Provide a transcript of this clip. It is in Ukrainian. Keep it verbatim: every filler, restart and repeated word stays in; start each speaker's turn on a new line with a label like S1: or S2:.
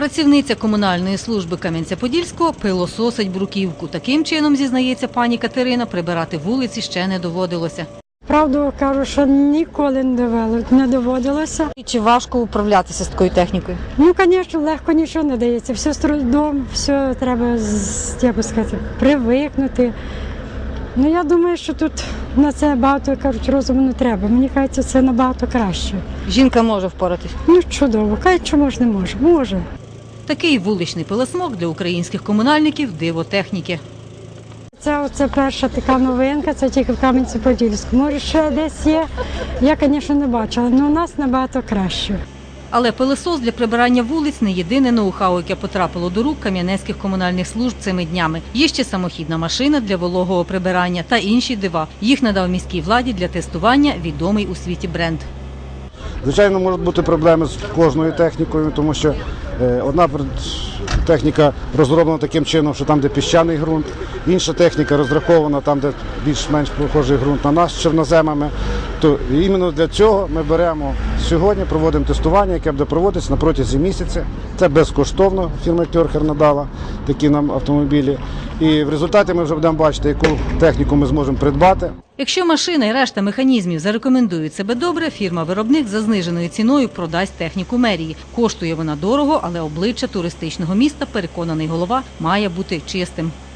S1: Працівниця комунальної служби Кам'янця-Подільського пилососить бруківку. Таким чином, зізнається пані Катерина, прибирати вулиці ще не доводилося.
S2: Правду кажу, що ніколи не довело, не доводилося.
S1: І чи важко управлятися з такою технікою?
S2: Ну, звісно, легко нічого не дається. Все з трудом, все треба, як би сказати, привикнути. Ну, я думаю, що тут на це багато, кажуть, розуму не треба. Мені кажеться, це набагато краще.
S1: Жінка може впоратись?
S2: Ну, чудово. Кажуть, що може, не може. Може.
S1: Такий вуличний пилосмок для українських комунальників – диво техніки.
S2: Це оце перша така новинка, це тільки в Кам'янці-Подільську. Може, ще десь є, я, звісно, не бачила, але у нас набагато краще.
S1: Але пилосос для прибирання вулиць – не єдине ноу-хау, яке потрапило до рук кам'янецьких комунальних служб цими днями. Є ще самохідна машина для вологого прибирання та інші дива. Їх надав міській владі для тестування відомий у світі бренд.
S3: Звичайно, можуть бути проблеми з кожною технікою, тому що одна техніка розроблена таким чином, що там, де піщаний ґрунт, інша техніка розрахована там, де більш-менш похожий ґрунт на нас з чорноземами. То іменно для цього ми беремо сьогодні, проводимо тестування, яке буде проводитися на протязі місяця. Це безкоштовно, фірма Кьорхер надала такі нам автомобілі. І в результаті ми вже будемо бачити, яку техніку ми зможемо придбати.
S1: Якщо машина і решта механізмів зарекомендують себе добре, фірма-виробник за зниженою ціною продасть техніку мерії. Коштує вона дорого, але обличчя туристичного міста, переконаний голова, має бути чистим.